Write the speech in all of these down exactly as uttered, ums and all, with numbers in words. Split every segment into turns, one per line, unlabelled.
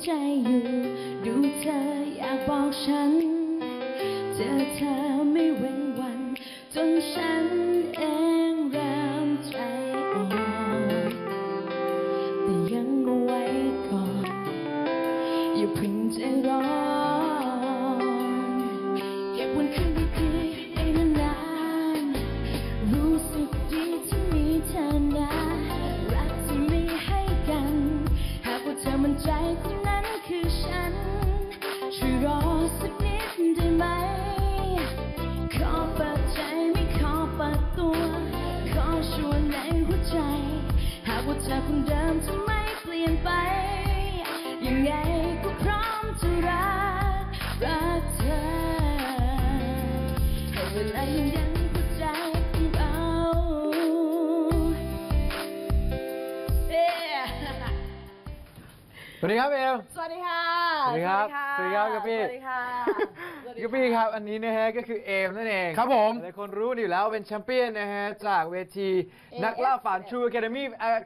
ใจอยู่ดูเธออยากบอกฉันเจอเธอไม่เว้นวันจนฉันเองเริ่มใจอ่อนแต่ยังเอาไว้ก่อนอย่าเพิ่งใจร้อนเก็บวันคืนดีๆไปนานๆรู้สึกดีที่มีเธอนะรักที่มีให้กันหากว่าเธอมั่นใจคนนั้นคือฉันช่วยรอสักนิดได้ไหมขอเปิดใจไม่ขอเปิดตัวขอชวนในหัวใจหากว่าเธอคงเดิมจะไม่เปลี่ยนไปยังไงก็พร้อมจะรักรักเธอให้เวลายังยันหัวใจของเรา
สวัสดีครับเอม
สวัสดีค่ะ
สวัสดีครับสวัสดีครับกับพี่
สวัสดีค่ะ
กับพี่ครับอันนี้นะฮะก็คือเอมนั่นเอง
ครับผม
หลายคนรู้อยู่แล้วเป็นแชมเปี้ยนนะฮะจากเวทีนักล่าฝัน True Academy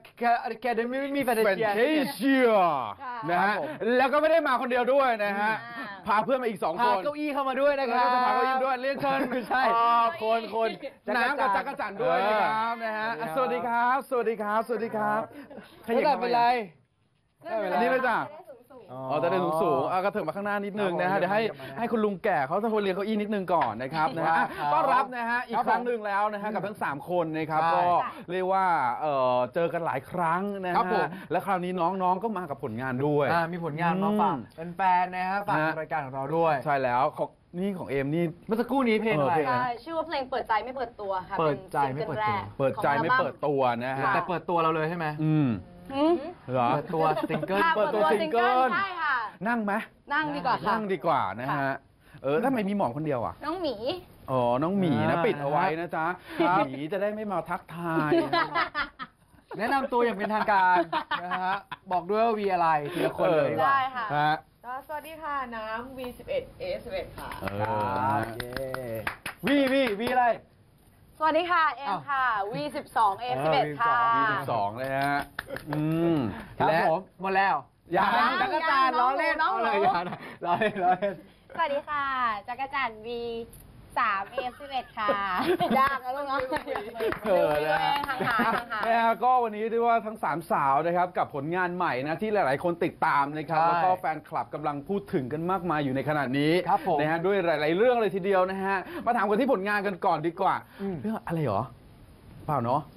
Academy มีแฟน
เป็น
เชีย
เทเชียนะฮะแล้วก็ไม่ได้มาคนเดียวด้วยนะฮะพาเพื่อนมาอีกสองค
พาน เก้าอี้เข้ามาด้วยนะค
แล้ว
รับ
ก็จะพาเขายิ้มด้วยเรียนเชิญ
ไม่ใช่
อ่าคนคนน้ำกับจักรจันทร์ด้วยนะครับนะฮะอ่ะสวัสดีครับ สวัสดีครับ สวัสดีครับ
ขยับเป็นไร
อันนี้เลยจ้ะอ๋อจะได้สูงสูงๆอ่ะก็เถิบมาข้างหน้านิดนึงนะฮะเดี๋ยวให้ให้คุณลุงแก่เขาจะคนเรียนเก้าอี้นิดนึงก่อนนะครับนะฮะอ่ะต้อนรับนะฮะอีกครั้งหนึ่งแล้วนะฮะกับทั้งสามคนนะครับก็เรียกว่าเอ่อเจอกันหลายครั้งนะ
ครับผ
ฮะ
ม
และคราวนี้น้องๆก็มากับผลงานด้วย
อ่ามีผลงานมาฝาก
อืม
แฟนๆนะฮะฝาก
ฮะ
รายการของเราด้วย
ใช่แล้วของนี่ของเอมนี่
เมื่อสักครู่นี้เพลงอะไร
เออเพลง
ใช่ชื่อว่าเพลงเปิดใจไม่เปิดตัวค่ะ
เปิดใจไม่เปิดตัว
นซิงกิลแรก
เปิดใจไม่
ของอัลบั้
เปิดตัวนะฮะ
แต่เปิดตัวเราเลยใช่ไหม
อืม
หืม
เหรอ
เปิดตัวซิงเกิล
ค่ะ
เปิ
เปิ
ด
ด
ตั
ตัว ว
ซิ
ซิ
ง
ง
เกิ
เกิ
ล
ลใช่ค่ะ
นั่งไหม
นั่งดีกว่าค่ะ
นั่งดีกว่านะฮะ เออทำไมมีหมอนคนเดียวอ่ะ
น้องหมี
อ๋อ น้องหมีนะ
อ่า
ปิดเอาไว้นะจ๊ะ
ครับ
หมีจะได้ไม่มาทักทาย
แนะนำตัวอย่างเป็นทางการนะฮะบอกด้วยว่าวีอะไรทีละคนเลยดีกว่า
ได้ค่ะ
ฮะ
ก็สวัสดีค่ะ น้ำ วี สิบเอ็ด เอ สิบเอ็ด ค่ะ
เอ
ค
อ
รับเย้วีวีวีอะไร
สวัสดีค่ะเอ็มค่ะ วี สิบสอง เอ สิบเอ็ด ค่ะ
มีสิบสองเลยฮะ อืม
ครับ
และ
ผมหมดแล้ว
ยัง
จักรจันทร์ล้อเล่น
น้องหนู
เอาเลยอย่านะล้อเล่นล้อเล่น
สวัสดีค่ะ จักรจันทร์ วีสาม เอ สิบเอ็ด ค่ะ
ยากนะลูกเนาะ
เออนะฮะ
ห่างๆห่างๆ
นะฮะก็วันนี้เรียกว่าทั้งสามสาวนะครับกับผลงานใหม่นะที่หลาย ๆ คนติดตามนะครับ
ใช่
แล้วก็แฟนคลับกำลังพูดถึงกันมากมายอยู่ในขณะนี้
ครับผม
นะฮะด้วยหลาย ๆ เรื่องเลยทีเดียวนะฮะมาถามกันที่ผลงานกันก่อนดีกว่า
อืม
เรื่องอะไรหรอเปล่าเนาะ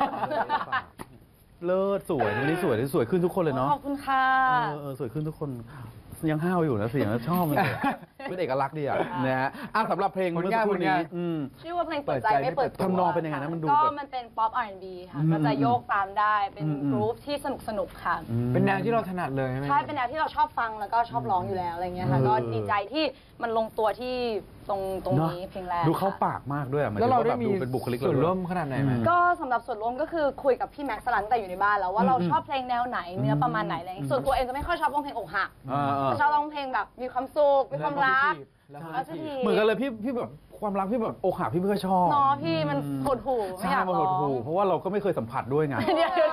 เลิศสวยวันนี้สวยสวยขึ้นทุกคนเลยเนาะ
ขอบคุณค่ะ
เออเออสวยขึ้นทุกคนยังห้าวอยู่นะเสียงชอบมันเลยเป็นเอกลักษณ์ดีอ่ะนะฮะอ่ะสำหรับเพลง
ผลงาน
เมื่อสักครู่
ผลงาน
นี้อืม
ชื่อว่าเพลงเปิดใจไม่เปิดตัว
ทำนองเป็นยังไงนะมันดู
ก็
แบบ
มันเป็นป๊อป อาร์ แอนด์ บี ค่ะ
อืม
ก็จะโยกตามได้ เป็น
อืมอืม
กรุ๊ปที่สนุกสนุกๆค่ะ
อืม
เป็นแนวที่เราถนัดเลยใช่ไหม
ใช่ เป็นแนวที่เราชอบฟังแล้วก็ชอบร้องอยู่แล้วอะไรเงี้ยค่ะ
เออ
ก็ดีใจที่มันลงตัวที่ตรงตรงนี้
เนอะ
เพลงแรก
ดูเข้า
ค่ะ
ปากมากด้วยอะหมาย
แล้
ถึ
ว
ง
เรา
ว่า
ได้
แบบ
มี
ดูเป็นบุคลิก
ส่วน
เาด้วย
ร่วมขนาดไหนไหม
อืม
ก็สำหรับส่วนร่วมก็คือคุยกับพี่แม็กซ์สลันแต่อยู่ในบ้านแล้วว่าเรา
อืม
ชอบเพลงแนวไหนเนื้อประมาณไหนอะไรเงี้ยส่วนตัวเองจะไม่ค่อยชอบร้องเพลงอกหัก
อ่าอ่า
จะชอบร้องเพลงแบบมีความสุขมีความรัก
แล้ว
แล้วสักที
เหมือนกันเลยพี่พี่แบบความรักพี่แบบอกหักพี่ไม่ค่อยชอบ
เนาะพี่มันหดหู่ไม่
ใช่
อยาก
มัน
ร้
ห
อ
ด
ง
หู่เพราะว่าเราก็ไม่เคยสัมผัสด้วยไง
เดี๋ยวเดี๋ยว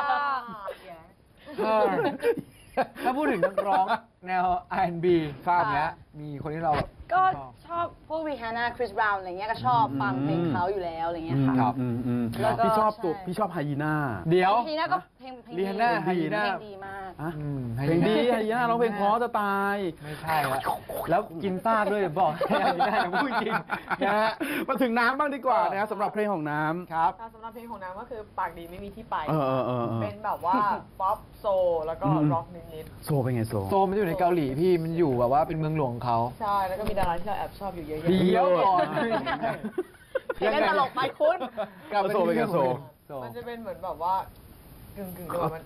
เออถ้าพูดถึงนักร้องแนว อาร์ แอนด์ บี ครับเนี้ยมีคนที่เราแบบ
ก็
ชอบ
ชอบพวกรีฮาน่าคริสบราวน์อะไรเงี้ยก็ชอบฟังเพลงเขาอยู่แล้วอะไรเงี้ยค่ะ
ครับ
อืมอืม
แล้วก็
พี่ชอบตัว
ใช่
พี่ชอบไฮยีน่า
เดี๋ยว
ทีน่าก็เพลงเพลง
รีฮาน่า
เพลง
ไฮยีน่า
ดีมาก
อะ
อืม
เพลงดีไฮยีน่าร้องเพลงเพราะจะตาย
ไม่ใช่ละแล้วกินซากด้วยบอกให้อายุได้นะพูดจริงนะฮะ
มาถึงน้ำบ้างดีกว่านะสำหรับเพลงของน้ำ
ครับ
ค่ะสำหรับเพลงของน้ำก็คือปากดีไม่มีที่ไป
เออเออเออเออ
เป็นแบบว่า ป๊อปโซลแล้วก็
อืม
ร็อกนิด
โซเป็นไงโซ
โซมันอยู่ในเกาหลีพี่มันอยู่แบบว่าเป็นเมืองหลวงของเขา
ๆ ใช่ แล้วก็มีดาราที่เราแอบชอบอยู่เยอะ
เดี๋ยวก่อน
เพลงเล่นตลกไปคุณ
กลับมา
โซเป็นไงโซ
โซ
ๆมันจะเป็นเหมือนแบบว่ากึ่งกึ่งๆแบบมัน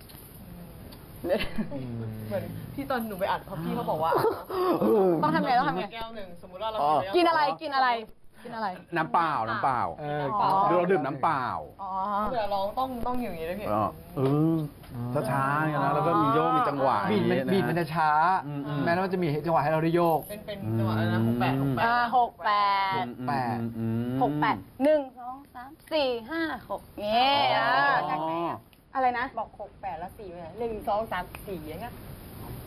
เหมือนที่ตอนหนูไปอัดเพราะพี่เขาบอกว่า
ต้องทำไงต้องทำไง
แก้วหนึ่งสมมติว่าเรา
อ๋อ
แว
กินอะไรกินอะไรกินอะไร
น้ำเปล่าน้ำเปล่า
เออ
อ๋อ
เราดื่มน้ำเปล่า
อ๋อ
เผื่อร้องต้องต้องอยู่อย่างนี้ด้วยพี่
เออเออช้าๆอย่างนั้นแล้วก็มีโยกมีจังหวะ
บีดมัน
อย่าง
บี
งี้
ดมัน
นะ
จะช้า
อืมอืม
แม้ว่าจะมีจังหวะให้เราได้โยก
เป็นเป็นจังหวะอะไรนะหกแปดหกแปด
อ่าหกแปด
แปด
อืม
หกแปดหนึ่งสองสามสี่ห้าหกเงี้ย
อ๋อ
จากไหนอะอะไรนะ
บอกหกแปดแล้วสี่ไปไหนหนึ่งสองสามสี่อย่างเงี้ย
แ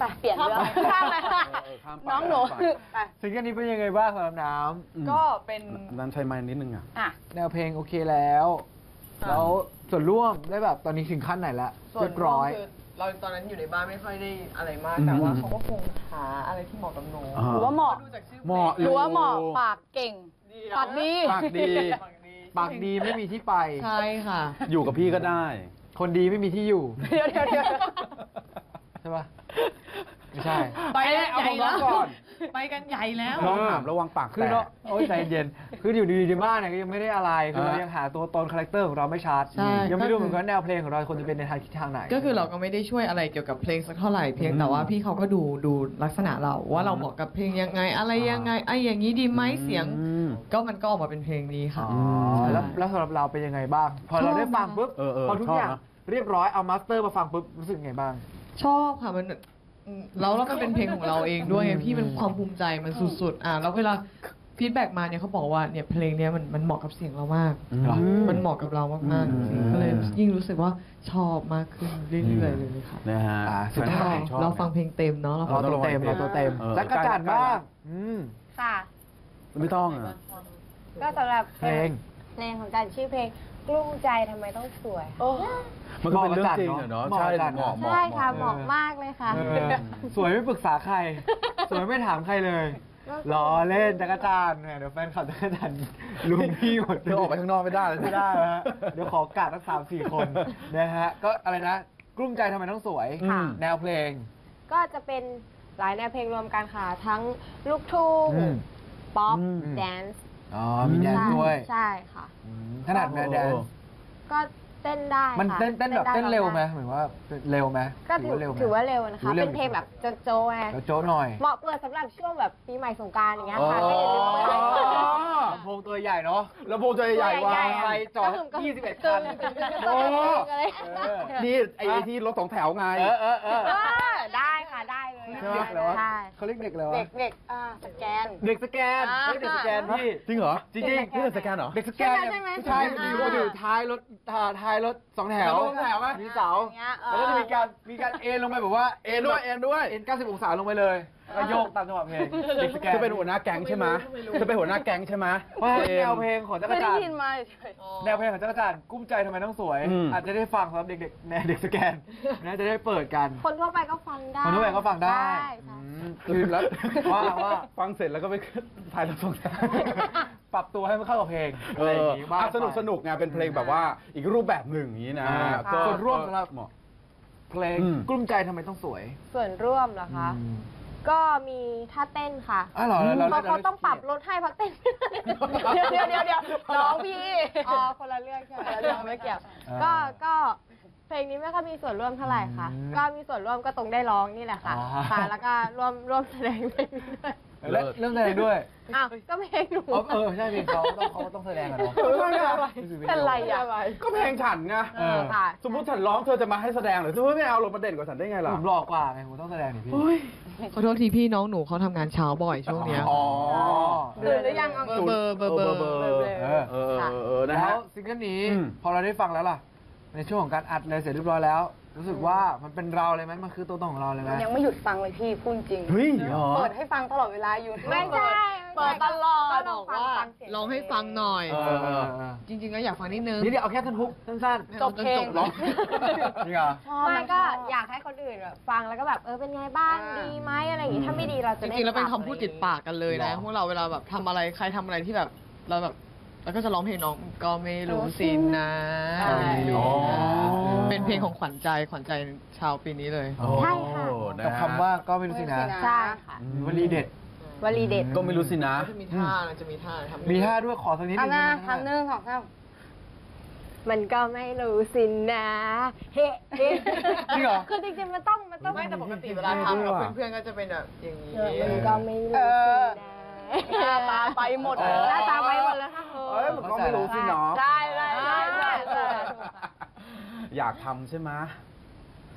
ไปเปลี่ยนเรื่องข้ามเลยค่ะ
เออข้ามไป
น้องหนู
ข้ามไป
ไป
ซิงเกิลนี้เป็นยังไงบ้างสำหรับน้
อืม
ก็เป็น
นั้นใช้ไม้นิดนึงอ่ะ
อ่ะ
ำแนวเพลงโอเคแล้ว แล้วส่วนร่วมได้แบบตอนนี้ถึงขั้นไหนละ
ส่ว
เรี
น
ยบร้อย
คือเราตอนนั้นอยู่ในบ้านไม่ค่อยได้อะไรมาก
อืม
แต่ว่าเขาก็คงหาอะไรที่เหมาะกับหนู
อ่า
หรือว่าเหมาะ
ดูจากชื่อ
เหมาะ
หรือว่าเหมาะปากเก่ง
ดี
ปากดี
ปากดี
ปากดี
ปากดีไม่มีที่ไป
ใช่ค่ะ
อยู่กับพี่ก็ได้
คนดีไม่มีที่อยู่
เดี๋ยวเดี๋ยวเดี๋ยว
ใช่ปะไม่ใช่
ไป
เอ้ยเอาของน้องก่อน
ไปกันใหญ่แล้ว
น้องถามระวังปาก
คือ
แต
เนาะ
ก
โอ้ยใจเย็น คืออยู่ดีๆในบ้านเนี่ยก็ยังไม่ได้อะไร คือเรา
อ่ายั
ยังหาตัวตนคาแรคเตอร์ของเราไม่ชัด
ใช่
ยังไม่รู้เหมือนกันแนวเพลงของเราควรจะเป็นในทางทิศทางไหน
ก็คือเราก็ไม่ได้ช่วยอะไรเกี่ยวกับเพลงสักเท่าไหร่เพียงแต่ว่าพี่เขาก็ดูดูลักษณะเราว่าเราเหมาะกับเพลงยังไงอะไรยังไงไอ้อย่างนี้ดีไหมเสียง
อืม
ก็มันก็ออกมาเป็นเพลงนี้ค่ะ
อ๋อแล้วแล้วสำหรับเราเป็นยังไงบ้าง พอเราได้ฟังปุ๊บ
เออเออ
พอทุก
ชอบ
อย่าง
นะ
เรียบร้อยเอามาสเตอร์มาฟังปุ๊บรู้สึกไงบ้าง
ชอบค่ะมันอืมแล้วแล้วมันเป็นเพลงของเราเองด้วยไงพี่เป็นความภูมิใจมันสุดๆอ่ะแล้วเวลาฟีดแบ็กมาเนี่ยเขาบอกว่าเนี่ยเพลงเนี้ยมันมันเหมาะกับเสียงเรามาก
เหรอ
มันเหมาะกับเรามากๆจริงๆก็เลยยิ่งรู้สึกว่าชอบมากขึ้นเรื่อยๆเลยค่ะ
นะฮะ
อ่าสุด
ต้
ท้าย
อง
ชอบ
เราฟังเพลงเต็มเนาะเราฟั
เรา
ง
ตัวเต็มเราตัวเต็ม
เออ
จักรจันทร์บ้างอืม
ค่ะ
ไม่ต้องอ่ะ
ก็สำหรับ
เพลง
เพลงของจันชื่อเพลงกลุ้มใจทำไมต้องสวย
มันก็เป็นเรื่องจริงอะเนาะ
เหมาะ
ใช่
กับจัน
เหมาะเหมาะ
ใช่ค่ะ
เห
เห
มาะ
มาะมากเลยค่ะ
เออสวยไม่ปรึกษาใคร สวยไม่ถามใครเลยล้อเล่นจักรจันทร์แหมเดี๋ยวแฟนคลับจักรจันทร์ลุมพี่หมด
เธอออกไปข้างนอกไม่ได้เลย
ไม่ได้นะฮะเดี๋ยวขอกาดทั้งสามสี่คนนะฮะก็อะไรนะกลุ้มใจทำไมต้องสวย
ค่ะ
แนวเพลง
ก็จะเป็นหลายแนวเพลงรวมกันค่ะ ทั้งลูกทุ่ง
อืม
ป๊อป
อืม
แดนซ์
อ๋อมีแดนซ์ด้วย
ใช่ค่ะ
อืมถนัดแนวแดนซ์
ก็เต้นได้
มัน
ค่ะ
เต้นเต้นแบบ
ได้
เต้นเร็วไหม
ได้
เหมือนว่าเร็วไหม
ก็ถือ
เร็วไหม
ถือว่าเร็วนะคะ
ถือว่าเร็ว
เป็นเพลงแบบโจโจ้ไง
เดี๋ยวโจ้หน่อย
เหมาะเปิดสำหรับช่วงแบบปีใหม่สงกรานต์อย่างเงี้ย
อ๋อ
ค่ะก็อย่าลืมเปิด
ลำโพงตัวใหญ่เนาะ
แล้วโพงใจใหญ่ๆว่า
ใหญ่ๆ
ไฟจอด
ก็คือก็
ยี่สิบเอ็ดคัน
โอ้
โอ้
เออ
นี่ไอ้ไอ้ที่รถสองแถวไง
เออเออเออ
เออได้ค่ะได้เลย
เด็กอะไรวะ
ใช่
เขาเรียกเด็กอะไรวะ
เด็กเด็กอ่าสแกน
เด็กสแกน
อ่า
เฮ้ยเด็กสแกนพี่
จริงเหรอ
จริงๆ
นี่เป็นสแกนเหรอ
เด็กสแกนเนี่ย
ใช่ไหม
ผู้ชาย
ใช่ไหม
อยู่อยู่ท้ายรถท้ายท้ายรถสองแถว
รถสองแถวไหม
มีเสา
อย่างเงี้ยเออ
แล้วก็จะมีการมีการเอ็นลงไปแบบว่า
เอ็นด้วยเอ็นด้วย
เอ็นเก้าสิบองศาลงไปเลยแล้วก็โยกตามจังหวะเพลงเด็กสแกน
จะเป็นหัวหน้าแก๊งใช่ไหมจะเป็นหัวหน้าแก๊งใช่ไหม
เพราะแนวเพลงของจัก
เค
ร
ย
จั
ได้
นท
ยิน
ร์
มาเฉย
แนวเพลงของจักรจันทร์กุ้มใจทำไมต้องสวย
อืม
อาจจะได้ฟังสำหรับเด็กๆแนวเด็กสแกนนะจะได้เปิดกัน
คนทั่วไปก็ฟังได้
คนทั่วไปก็ฟังได้
ใช่
อื
ค่ะ
ม
คือแล้ว
ว่าว่า
ฟังเสร็จแล้วก็ไปถ่ายรถสองแถว
ปรับตัวให้มันเข้ากับเพลง
เอ
อะไรอ
อย่าง
งี้บ้าง
อ่ะสนุกสนุกไงเป็นเพลงแบบว่าอีกรูปแบบหนึ่งอย่างนี้นะ
อ่า
ก็
ส่วนร่วมสำหรับ
เหมาะ
เพลง
อืม
กลุ้มใจทำไมต้องสวย
ส่วนร่วมเหรอคะ
อืม
ก็มีท่าเต้นค่ะ
อ้าวเหรอเรา
เขา
เรา
เขาต้องปรับลดให้เพราะเต้น
เดี๋ยวเดี๋ยวเดี๋ยวเดี๋ยวน้องพี่
อ๋อคนละเรื่องใช่ไหม
คนละเรื่องไม่เกี่ยว
ก็ก็เพลงนี้ไม่ค่อยมีส่วนร่วมเท่าไหร่ค่ะ ก็มีส่วนร่วมก็ตรงได้ร้องนี่แหละค่ะ ค่ะ แล้วก็ร่วมร่วมแสดงเพลงนี้ด้วย
และเรื่องแสดงด้วย
อ้าวก็เพลงหนู
อ๋อเออใช่เพลงเขาต้องเขาต้องแสดงกันเนาะ
เป็นไรอ่ะ
ก็เพลงฉันไง
เออ
ค่ะ
สมมติฉันร้องเธอจะมาให้แสดงเหรือเธอไม่เอาลงมาเด่นกว่าฉันได้ไงล่ะ
ผมหล่อกว่าไงผมต้องแสดงนี่พี่
ขอโทษทีพี่น้องหนูเขาทำงานเช้าบ่อยช่วงเนี้ย
อ๋อ
ตื่นหรือยังเอา
เบอร์เบอร์เบอร์
เบอร์
เออ
เออเออเออนะ
แล้
ฮะ
วซิงเกิลนี้
อืม
พอเราได้ฟังแล้วล่ะ ในช่วงของการอัดเลยเสร็จเรียบร้อยแล้ว รู้สึกว่ามันเป็นเราเลยไหมมันคือตัวตนของเราเลยไหม
ยังไม่หยุดฟังเลยพี่พูดจริง
เฮ้ยเหรอ
เปิดให้ฟังตลอดเวลาอยู่
ไม่ใช่
เปิดตลอด
ก็
บ
ล
อ
อง
ก
ฟัง
ว่า
ฟังเสียง
ลองให้ฟังหน่อย
เออเออเออ
จริงๆก็อยากฟังนิดนึง
นี่เดี๋ยวเอาแค่ท่อนฮุกสั้น
จบเพลง
ร้องจริงเหรอ
ไม่ก็อยากให้คนอื่นแบบฟังแล้วก็แบบเออเป็นไงบ้าง
อ่า
ดีไหมอะไรอย่างงี้ถ้าไม่ดีเรา
จ
จะได้
ริงๆแล้วเป็น
ปรับ
คำพูดติดปากกันเลยนะ
หรอ
พวกเราเวลาแบบทำอะไรใครทำอะไรที่แบบเราแบบแล้วก็จะร้องเพลงน้องก็ไม่รู้สินะ
ใช่
อ๋อ
เป็นเพลงของขวัญใจขวัญใจชาวปีนี้เลย
ใช่ค่ะ
โอ้นะ
กับ
ฮะ
คำว่าก็ไม่รู้สินะ
ใช่ค่ะ
วลีเด็ด
วลีเด็ด
ก็ไม่รู้สินะ
จะมีท่านะจะมีท่าทำ
มีท่าด้วยขอสักนิด
เอา
นึง
หน้า
ได้ไหม
ทำหนึ่งสองสาม
มันก็ไม่รู้สินะเฮ้เฮ้
จริงเหรอ
คือจริงๆมันต้องมันต้อง
ไม่แต่ปกติเวลาทำกับเพื่อนๆก็จะเป็นแบบอย่างนี้
มันก็ไม่รู้
เอ
สิ
อ
นะ
หน้าตาไปหมด
เอ
เลย
อ
หน้าตาไปหมดแล้วค่ะ
เอ้ยมันก็ไม่รู้สิเนาะ
ใช่ใช่ใช่ใช่ใช่
อยากทำใช่ไหม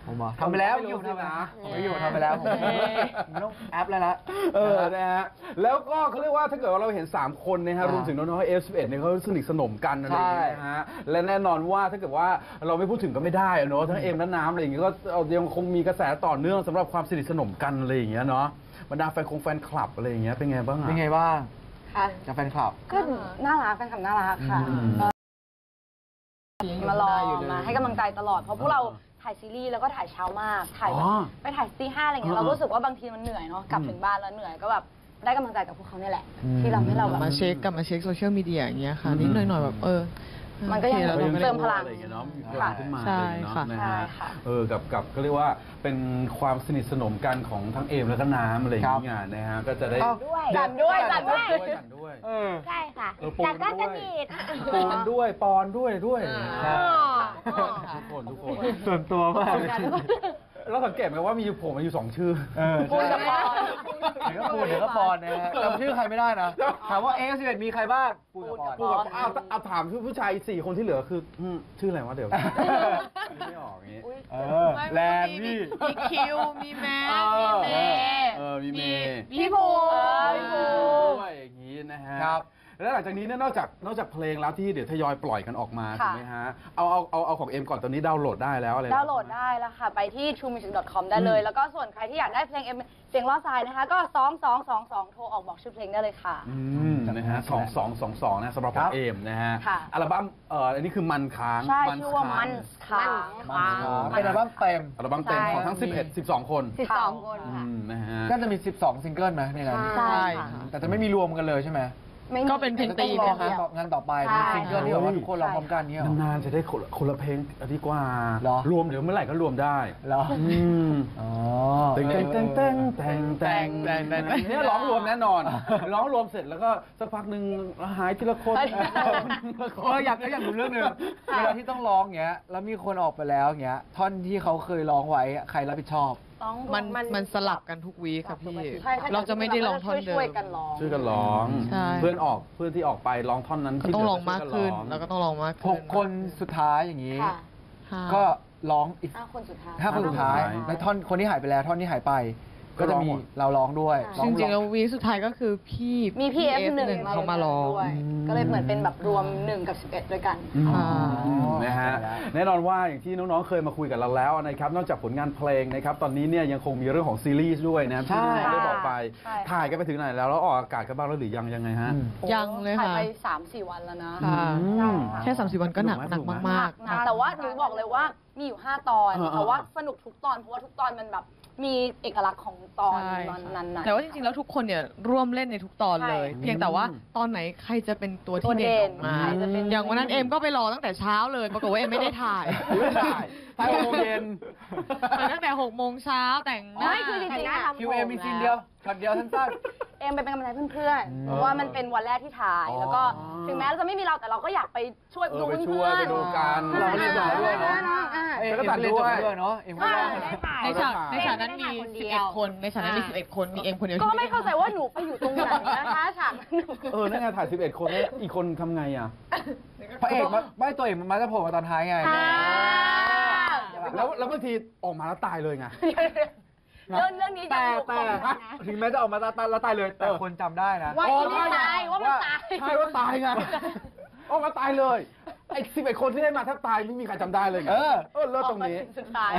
ผมอ่ะทำไปแล้วอยู่ทำนะผมไม่อยู่ทำไปแล้วผมไม่ต้องแอปแล้วละ
เออ นะฮะ แล้วก็เขาเรียกว่าถ้าเกิดว่าเราเห็น สาม คนนะฮะ รวมถึงน้องๆ เอฟ สิบเอ็ด เนี่ยเขาสนิทสนมกันอะไรอย่างเงี้ยนะฮะ และแน่นอนว่าถ้าเกิดว่าเราไม่พูดถึงก็ไม่ได้เนาะ ทั้งเอ็มและน้ำอะไรอย่างเงี้ยก็ยังคงมีกระแสต่อเนื่องสำหรับความสนิทสนมกันอะไรอย่างเงี้ยเนาะ บรรดาแฟนคงแฟนคลับอะไรอย่างเงี้ยเป็นไงบ้างอะ
เป็นไงบ้าง
ค่ะ
กับแฟนคลับ
ก็น่ารักแฟนคลับน่ารักค่ะ
อืม
มารอมาให้กำลังใจตลอด เพราะพวกเราถ่ายซีรีส์แล้วก็ถ่ายเช้ามาก ถ่ายแบบ
อ๋อ
ไปถ่ายตีห้าอะไรเงี้ย เรารู้สึกว่าบางทีมันเหนื่อยเนาะ กลับถึงบ้านแล้วเหนื่อยก็แบบได้กำลังใจจากพวกเขาเนี่ยแหละ
อืม
ที่เราให้เราแบบ
มาเช็คกลับมาเช็คโซเชียลมีเดียอย่างเงี้ยค่ะ นิดหน่อยๆแบบเออ
มันก็ยัง
โอคแล้วเราก็
เติ
ได้
มพลัง
อะไรอย่างเงี้ยเนาะมีพ
ค่ะ
ลังขึ้นมา
ใช่
อะไรอย่างเงี้ยเนาะนะ
ค่ะ
ใช่
ฮะ
ค่ะ
เออกับกับก็เรียกว่าเป็นความสนิทสนมกันของทั้งเอมแล้วก็น้ำอะไรอย่างเงี้ยนะฮะก็จะได้
ด้วยจัดด้วยจัดด้วย
จัดด้วย
เออ
ใช่ค่ะ
เออปูน
แต่ก็
ด้
ส
วย
นิท
ปูนด้วยปอนด้วยด้วย
ครับ
ทุกคนทุกคน
ส่วนตัวมาก
เราสังเกตไหมว่ามีอยู่ผมมาอยู่สองชื่อ
เออ
ปูนกับปอน
เดี๋ยวก็ปูนเดี๋ยวก็ปอนนะฮะจำชื่อใครไม่ได้นะ ถามว่าเอฟสิบเอ็ดมีใครบ้างปูนกับปอน
พูดกับเอาเอาถามชื่อผู้ชายสี่คนที่เหลือคืออืมชื่ออะไรวะเดี๋ยวไม่ออกอย่างงี้
เออแลนด์พี่
มีคิว มีแมท
เอ
มี
อ
เมย์
เออมีเมย์
พี่ภู
เออพี่ภู
ด้วยอย่างนี้นะฮะ
ครับ
แล้วหลังจากนี้เนี่ยนอกจากนอกจากเพลงแล้วที่เดี๋ยวทยอยปล่อยกันออกมา
ค่ะ
ถูกไหมฮะเอาเอาเอาเอาของเอ็มก่อนตอนนี้ดาวน์โหลดได้แล้วอะไรนะ
ดาวน์โหลดได้แล้วค่ะ ไปที่ ทรูมิวสิก ดอท คอม ได้เลย แล้วก็ส่วนใครที่อยากได้เพลงเอ็มเสียงล้อทรายนะคะ ก็สองสองสองสองโทรออกบอกชื่อเพลงได้เลยค่ะ
อืมนะฮะสองสองสองสองนะสำหรับข
ครั
อง
บ
เอมนะฮะ
ค่ะ
อัลบั้มเอ่ออันนี้คือมันค้าง
ใช่ชื่อว่ามันค้าง
มันเป็นอัลบั้มเต็ม
อัลบั้มเต็มของทั้ง
ใช่
สิบเอ็ด สิบสอง คน
สิบสองคน
อื
ค่ะ
มนะฮะ
ก็จะมีสิบสองซิงเกิลไหมในนั้น
ใช่
ใช่
ค่ะ
แต่จะไม่มีรวมกันเลยใช่ไหม
ไม่มี
ก็เป็นเพลง
ต้
ตี
องรอ
นะ
งาน
คะ
ต่องานต่อไป
ใช่
เป็นซิงเกิลที่แบบว่าทุกคนร้องพร้อมกันเนี้ยเหรอ
นานๆจะได้คนละคนละเพลงดีกว่า
เหรอ
รวมเดี๋ยวเมื่อไหร่ก็รวมได้
เหรอ
อืม
อ๋อ
เต็งเต็งเต็งเต็งเต็งเต็งเต็งเต็งเนี่ยร้องรวมแน่นอน ร้องรวมเสร็จแล้วก็สักพักหนึ่งหายทีละคน
เอออยากอยากรู้เรื่องหนึงเวลาที่ต้องร้องเงี้ย แล้วมีคนออกไปแล้วเงี้ย ท่อนที่เขาเคยร้องไว้อะใครรับผิดชอบ
ร้อง
มันมันสลับกันทุกวีคค่ะพี่
ใช่ใช่
เราจะไม่ได้ร้องท่อนเดิ
ช่วย
ม
ๆกันร้อง
ช่วยกันร้อง
ใช่
เพื่อนออกเพื่อนที่ออกไปร้องท่อนนั้น
ก็
ที่
ต้อง
เห
ล
ลื
องมากขึ้น
ช่วย
แล้วก็ต้องลองมาก
ห
ขึ้น
กคนสุดท้ายอย่างนี้
ค่ะ
ค่ะ
ก็ร้องอีก
ห้าคนสุดท้าย
ห้าคนสุดท้าย และท่อนคนที่หายไปแล้ว ท่อนที่หายไป ก็จะมีเราร้องด้วยร้อ
จ
ง
ริงๆแล้ววีคสุดท้ายก็คือพี่
มีพี่เอฟหนึ่ง
เขามาร้อง
ด้วยก็เลยเหมือนเป็นแบบรวมหนึ่งกับสิบเอ็ดด้วยกัน
อืม
ค่ะ
นะฮะแน่นอนว่าอย่างที่น้องๆเคยมาคุยกับเราแล้วนะครับนอกจากผลงานเพลงนะครับตอนนี้เนี่ยยังคงมีเรื่องของซีรีส์ด้วยนะครับที่น้องๆได้บอกไป
ใช่
ถ่ายกันไปถึงไหนแล้วแล้วออกอากาศกันบ้างแล้วหรือยังยังไงฮะ
อืม
ยังเลย
ถ่าย
ค่ะ
ไปสามสี่วันแล้วนะ
ค่ะ
อืม
แค่สามสิบวันก็หนัก
สนุกไหม
หนักมาก
หนักแต่ว่าหนูบอกเลยว่ามีอยู่ห้าตอน
เออเออ
แต่ว่าสนุกทุกตอนเพราะว่าทุกตอนมันแบบมีเอกลักษณ์ของตอน
ใช่
นั้นๆ
แต่ว่าจริงๆ แล้วทุกคนเนี่ยร่วมเล่นในทุกตอนเลย
ใช่
เพียงแต่ว่าตอนไหนใครจะเป็นตัว
ตัว
ที่
เด่
เด่น
น
ออกมา
ใครจะเป็น
อย่างวันนั้นเอมก็ไปรอตั้งแต่เช้าเลย ปรากฏว่าเอมไม่ได้ถ่าย
ไม่ได้ถ่ายหกโมงเย็น
ไปตั้งแต่หกโมงเช้าแต่งหน้า
ไม่คือจริงๆอะ
คิวเอ็มมีซีนเดียวช็อตเดียวสั้น
เอ็มไปเป็นกำลังใจเพื่อนๆ เพราะว่ามันเป็นวันแรกที่ถ่าย แล้วก็ถึงแม้เราจะไม่มีเราแต่เราก็อยากไปช่วย
เออ
ดู
ไป
เพื่
ช่วย
อน
ไปดูกัน
เราไม่ได้ถ่ายด้วยเนอะ
อ่า
ๆเอ็มก็เล่นจบไปด้วยเนาะเอ็มก็ร้อง
ในฉากในฉากนั้นมีสิบเอ็ดคน ในฉากนั้นมีสิบเอ็ดคน มีเอมคนเดียว
ก็
ที่
ไม่เข้าใจว่าหนูไปอยู่ตรงไหนนะคะฉากนั้นหนู
เออนั่นไงถ่ายสิบเอ็ดคนแล้วอีกคนทำไงอ่ะ
พระเอกมาไม่ตัวเอกมันมาจะโผล่มาตอนท้ายไง
อ่า
แล้วแล้วบางทีออกมาแล้วตายเลยไง
เรื่องเรื่องนี้
แต่
ยังอยู่
แต่
ครบนะ
ถึงแม้จะออกมาตายแล้วตายเลย แต่คนจำได้นะ
ว่าอีนี่ตายว่ามันตาย
ใช่ว่าตายไงออกมาตายเลย ไอ้สิบเอ็ดคนที่ได้มาถ้าตายไม่มีใครจำได้เลยไง
เออ
เออเลิศตรงนี้
ออกมาถึงสุดท้าย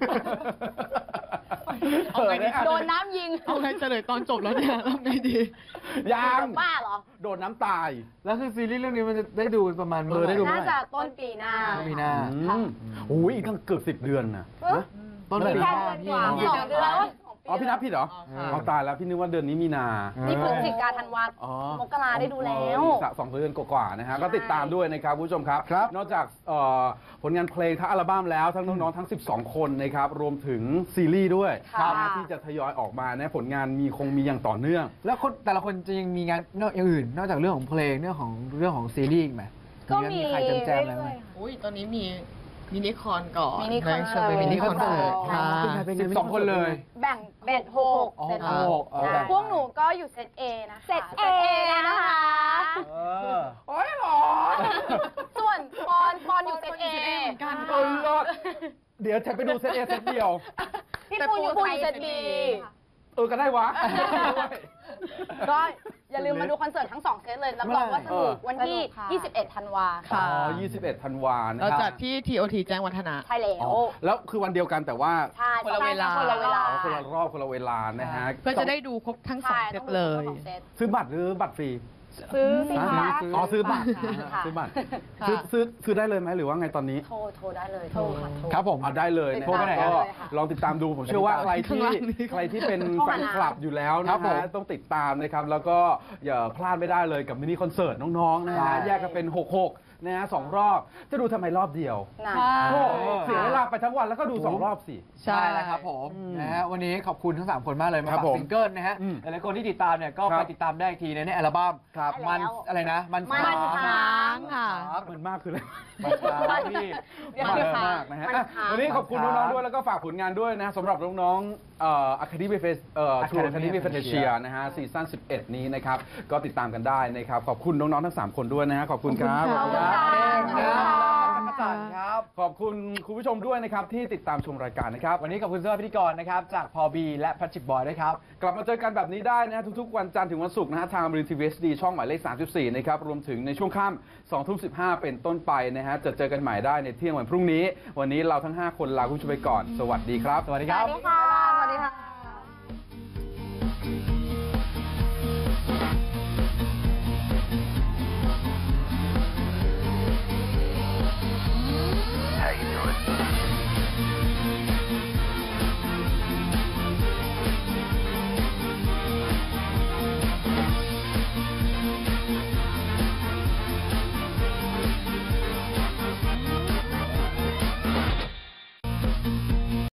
เอาไงดี
โดนน้ำยิง
เอาไงเฉลยตอนจบแล้วเนี่ยทำไงดี
ยัง
บ้าเหรอ
โดนน้ำตาย
แล้วคือซีรีส์เรื่องนี้มันจะได้ดูประมาณ
เออได้ดู
น่าจะต้นปีหน้า
มีหน้า
อืมโอ้ยอีกตั้งเกือบสิบเดือนนะ
เอ้ย
ต้นปีหน้าพี่
สองเดือนแล้ว
อ๋อพี่นับผิดเหรอ
อ๋อ
เอาตายแล้วพี่นึกว่าเดือนนี้มีนา
นี่พฤศจิกาธันวา
อ๋อ
มกราได้ดูแล้ว
อีกสักสองเดือนกว่าๆนะฮะก็ติดตามด้วยนะครับคุณผู้ชมครับ
ครับ
นอกจากเอ่อผลงานเพลงทั้งอัลบั้มแล้วทั้งน้องๆทั้งสิบสองคนนะครับรวมถึงซีรีส์ด้วย
ค่ะ
นะที่จะทยอยออกมานะผลงานมีคงมีอย่างต่อเนื่อง
แล้วคนแต่ละคนจะยังมีงานนอกอย่างอื่น นอกจากเรื่องของเพลงเรื่องของเรื่องของซีรีส์อีกไหม
ก็มี
ใครแจมๆอะไรไหม
อุ้ยตอนนี้มีมินิคอนก่อน
มินิคอน
ใช่มินิคอนเสิร์ต
อ๋อ
ค่ะ
สิบสองคนเลย
แบ่งแบ่งหก
อ๋อ
เซต
หกเออ
พวกหนูก็อยู่เซต A นะคะ
เซต A นะคะ
เออ
โอ้ยหรอ
ส่วนปอนปอนอยู่เซต A
เหมือนกัน
เออเลิศเดี๋ยวฉันไปดูเซตเอเซตเดียว
พี่ปูอยู่ปูอยู่เซตบี
เออก็ได้วะ
ก็อย่าลืมมาดูคอนเสิร์ตทั้งสองเซตเลยรับรองว่าสนุกวันที่
สนุกค่ะ
ยี่สิบเอ็ด ธันวา
อ๋
ค่ะ
อยี่สิบเอ็ดธันวานะ
เรา
ค
จั
รั
ด
บ
ที่ ที โอ ที แจ้งวัฒนะ
ใช่แล้
อ๋
ว
อแล้วคือวันเดียวกันแต่ว่า
ใช่
คนละเวลา
คนละเวลา
อ๋อคนละรอบคนละเวลานะฮะ
เพื่อจะได้ดูครบทั้งสอง
ใช่
เซ
ต้
ต
องดู
เลย
ทั้งสองเซต
ซื้อบัตรหรือบัตรฟรี
ซื้อสิ
ฮะ
คะ
อ๋อซื้อบัตร
ค่ะ
ซื้อบัตร
ค่ะ
ซื้อซื้อซื้อได้เลยไหมหรือว่าไงตอนนี้
โทรโทรได้เลยโทรค่ะโทร
ครับผม
เอาได้เลยนะ
โทรไปไหน
ก็
เลยค่ะ
ลองติดตามดูผมเชื่อว่าใครที่
ข้างล่างนี้
ใครที่เป็น
โทร
แฟ
หาน
คลับอยู่แล้ว
ครั
นะ
บผม
ฮะต้องติดตามนะครับแล้วก็อย่าพลาดไม่ได้เลยกับมินิคอนเสิร์ตน้องๆนะ
ใช่
ฮะแยกกันเป็นหกหกนะฮะสองรอบจะดูทำไมรอบเดียว
นะ
โอ้เสียเวลาไปทั้งวันแล้วก็ดูสองรอบสิ
ใช่แล้วครับผม
อืม
นะฮะวันนี้ขอบคุณทั้งสามคนมากเลยมา
ครับ
ฝาก
ผม
ซิงเกิลนะฮะ
อืม
หลายๆคนที่ติดตามเนี่ยก็
ครับ
ไปติดตามได้อีกทีในในอัลบั้ม
ครับ
มันอะไรนะ มัน
มัน
ค้าง
ค่ะ
ครับ
มันมากคืออะไร
มันค้างพี่
เดี๋ยว
มาก
เดี๋ยว
มากนะฮะ
มัน
อ่ะ
ค้าง
วันนี้ขอบคุณน้องๆด้วยแล้วก็ฝากผลงานด้วยนะสำหรับน้องๆเอ่อ Academy Face เอ่อ True
Academy
Academy
Fantasia
Fantasia นะฮะซีซั่นสิบเอ็ดนี้นะครับก็ติดตามกันได้นะครับขอบคุณน้องๆทั้งสามคนด้วยนะฮะขอบคุณครับ
ขอบคุณ
ค
ค่ะ
รับเอ็มครับจักรจันทร์ครับ
ขอบคุณคุณผู้ชมด้วยนะครับที่ติดตามชมรายการนะครับ
วันนี้ขอบคุณสำหรับพิธีกรนะครับ จากพอบีและแพทริกบอยด้วยครับ
กลับมาเจอกันแบบนี้ได้นะฮะทุกๆวันจันทร์ถึงวันศุกร์นะฮะทางบริษัททีวีเอสดีช่องหมายเลขสามสิบสี่นะครับรวมถึงในช่วงค่ำสองทุ่มสิบห้าเป็นต้นไปนะฮะจะเจอกันใหม่ได้ในเที่ยงวันพรุ่งนี้ วันนี้เราทั้งห้าคนลาคุณผู้ชมไปก่อน สวัสดีครับ
สวัสดี
ส
ครับ
วัสดีค่ะ สวัสดีค่ะ